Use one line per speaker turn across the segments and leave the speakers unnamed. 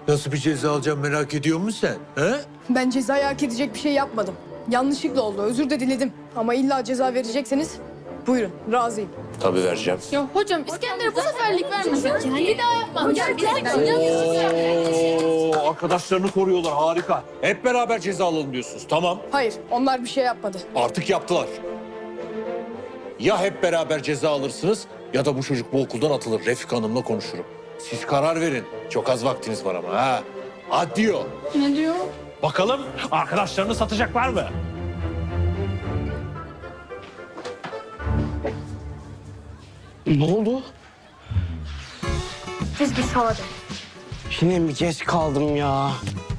Nasıl bir ceza alacağım merak ediyor musun sen? He?
Ben cezayı hak edecek bir şey yapmadım. Yanlışlıkla oldu. Özür de diledim. Ama illa ceza verecekseniz buyurun. Razıyım.
Tabii vereceğim.
Ya hocam İskender'e bu seferlik vermesin. Bir daha yapmam.
Oo, arkadaşlarını koruyorlar, harika. Hep beraber ceza alalım diyorsunuz. Tamam,
Hayır, onlar bir şey yapmadı.
artık yaptılar. Ya hep beraber ceza alırsınız ya da bu çocuk bu okuldan atılır. Refik Hanım'la konuşurum. Siz karar verin. Çok az vaktiniz var ama ha. Adiyo.
Ne diyor?
Bakalım arkadaşlarını satacaklar mı?
Ne oldu?
Biz bir sade.
Yine mi geç kaldım ya?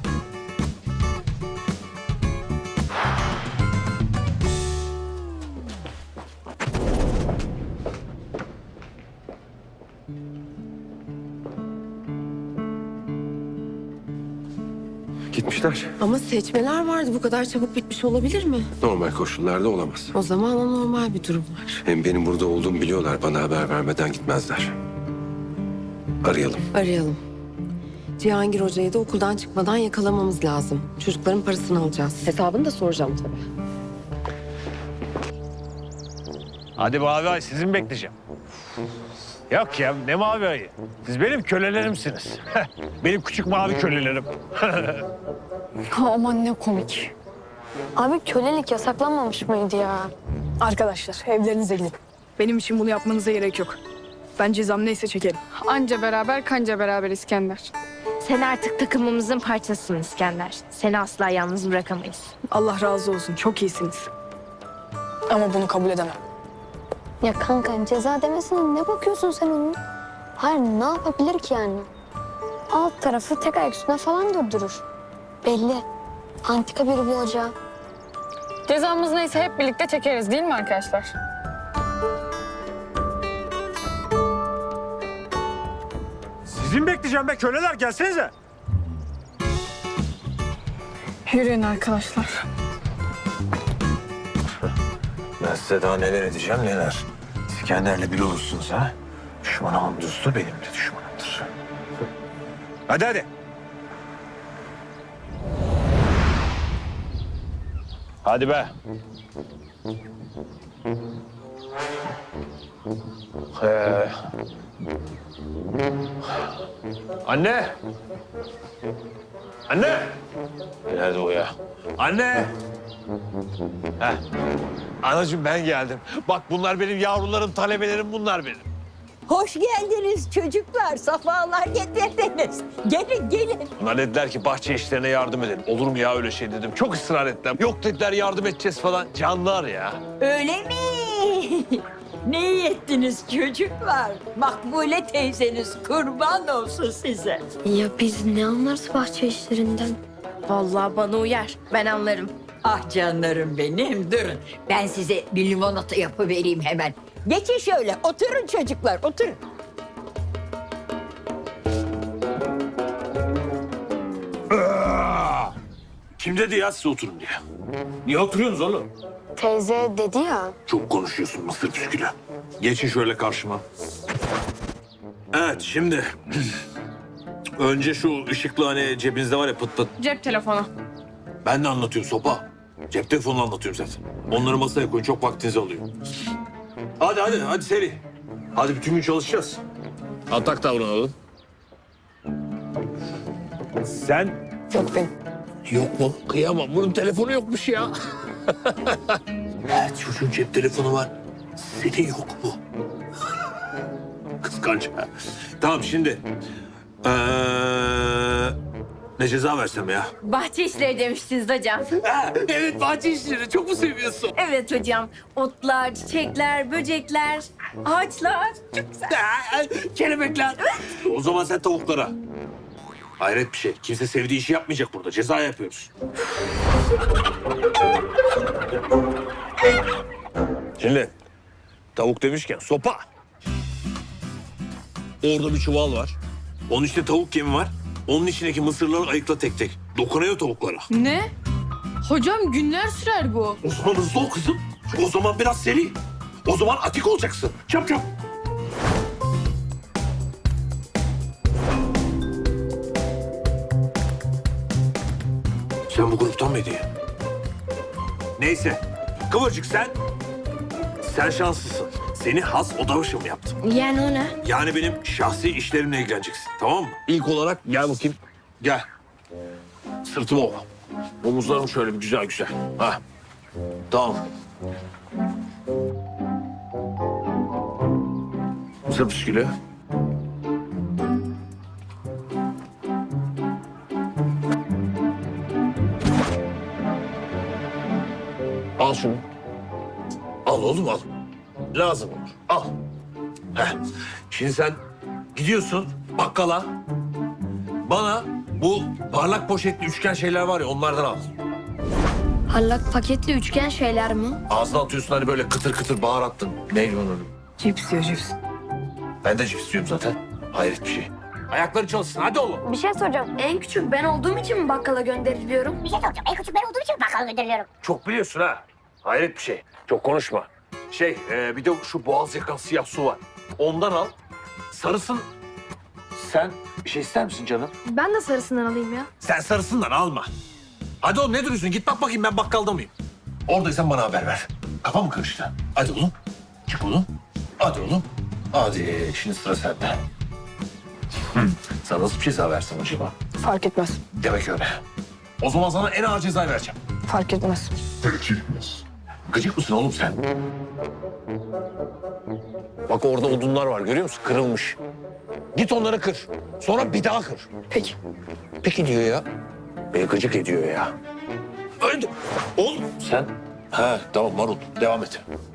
Gitmişler.
Ama seçmeler vardı. Bu kadar çabuk bitmiş olabilir mi?
Normal koşullarda olamaz.
O zaman anormal bir durum var.
Hem benim burada olduğumu biliyorlar. Bana haber vermeden gitmezler. Arayalım.
Arayalım. Cihangir Hoca'yı da okuldan çıkmadan yakalamamız lazım. Çocukların parasını alacağız. Hesabını da soracağım tabii.
Hadi Mavi Ay sizi mi bekleyeceğim? Yok ya ne Mavi Ay'ı? Siz benim kölelerimsiniz. Benim küçük mavi kölelerim.
Aman ne komik.
Abi kölelik yasaklanmamış mıydı ya?
Arkadaşlar, evlerinize gidin. Benim için bunu yapmanıza gerek yok. Ben cezam neyse çekerim.
Anca beraber kanca beraber İskender.
Sen artık takımımızın parçasısın İskender. Seni asla yalnız bırakamayız.
Allah razı olsun, çok iyisiniz. Ama bunu kabul edemem.
Ya kanka ceza demesine ne bakıyorsun sen onun? Hayır ne yapabilir ki yani? Alt tarafı tek ayak üstüne falan durdurur. Belli. Antika biri bu hoca.
Cezamız neyse hep birlikte çekeriz değil mi arkadaşlar?
Sizi mi bekleyeceğim be köleler gelsenize.
Yürüyün arkadaşlar.
Ben size daha neler edeceğim neler. İskender'le bir olursunuz ha. Düşmanımın dostu benim de düşmanımdır.
Hadi hadi. Hadi be. Anne. Anne. Nerede o ya? Anne. Heh. Anacığım ben geldim. Bak bunlar benim yavrularım, talebelerim bunlar benim.
Hoş geldiniz çocuklar, safalar getirdiniz. Gelin, gelin.
Bunlar dediler ki bahçe işlerine yardım edelim. Olur mu ya öyle şey dedim. Çok ısrar ettiler. Yok dediler yardım edeceğiz falan. Canlar ya.
Öyle mi? Ne iyi ettiniz çocuklar? Makbule teyzeniz kurban olsun size.
Ya biz ne anlarız bahçe işlerinden?
Vallahi bana uyar. Ben anlarım.
Ah canlarım benim, durun. Ben size bir limonata yapıvereyim hemen. Geçin şöyle, oturun çocuklar, oturun.
Kim dedi ya size oturun diye? Niye oturuyorsunuz oğlum?
Teyze dedi ya.
Çok konuşuyorsun mısır püskülü. Geçin şöyle karşıma. Evet şimdi... Önce şu ışıklı hani cebinizde var ya pıt pıt.
Cep telefonu.
Ben de anlatıyorum sopa. Cep telefonunu anlatıyorum zaten. Onları masaya koyun çok vaktinizi alıyor. Hadi seri. Hadi bütün gün çalışacağız. Atak davranalım.
Sen
Yok benim.
Yok mu? Kıyamam. Bunun telefonu yokmuş ya. Evet çocuğun cep telefonu var. Senin yok mu? Kıskanç. Tamam şimdi. Ne ceza versem ya?
Bahçe işleri demiştiniz hocam.
Evet bahçe işleri çok mu seviyorsun?
Evet hocam. Otlar, çiçekler, böcekler, ağaçlar. Çok güzel.
Kelebekler. O zaman sen tavuklara. Hayret bir şey. Kimse sevdiği işi yapmayacak burada. Ceza yapıyoruz. Şimdi tavuk demişken sopa. Orada bir çuval var. Onun içinde tavuk yemi var. Onun içindeki mısırları ayıkla tek tek. Dokunuyor tavuklara.
Ne? Hocam günler sürer bu.
O zaman hızlı ol kızım. O zaman biraz seri. O zaman atik olacaksın. Çap çap.
Sen bu gruptan mıydın ya? Neyse. Kıvırcık sen şanslısın. Seni has odamışım yaptım.
Yani o ne?
Yani benim şahsi işlerimle ilgileneceksin. Tamam mı? İlk olarak gel bakayım. Gel. Sırtıma ol. Omuzlarım şöyle bir güzel güzel. Ha. Tamam. Sırt üskülü. Al şunu. Al oğlum al. Lazım olur. Al. Heh. Şimdi sen gidiyorsun bakkala. Bana bu parlak poşetli üçgen şeyler var ya onlardan al.
Parlak paketli üçgen şeyler mi?
Ağzına atıyorsun hani böyle kıtır kıtır baharattın. Neydi onun?
Cips diyor cips.
Ben de cips diyorum zaten. Hayret bir şey. Ayakları çalışsın hadi oğlum.
Bir şey soracağım. En küçük ben olduğum için mi bakkala gönderiliyorum?
Bir şey soracağım. En küçük ben olduğum için bakkala gönderiliyorum.
Çok biliyorsun ha. Hayret bir şey. Çok konuşma. Bir de şu boğaz yakan siyah su var. Ondan al. Sarısın. Sen bir şey ister misin canım?
Ben de sarısından alayım ya.
Sen sarısından alma. Hadi oğlum ne duruyorsun? Git bak bakayım ben bakkalda mıyım? Oradaysan bana haber ver. Kafa mı karıştı? Hadi oğlum. Çık oğlum. Hadi oğlum. Hadi şimdi sıra sende. Sana nasıl bir ceza versem acaba?
Fark etmez.
Demek öyle. O zaman sana en ağır cezayı vereceğim.
Fark etmez.
Gıcık mısın oğlum sen? Bak orada odunlar var görüyor musun? Kırılmış. Git onları kır. Sonra bir daha kır.
Peki.
Peki diyor ya. Beni gıcık ediyor ya. Öldü. Oğlum sen. He tamam marul devam et.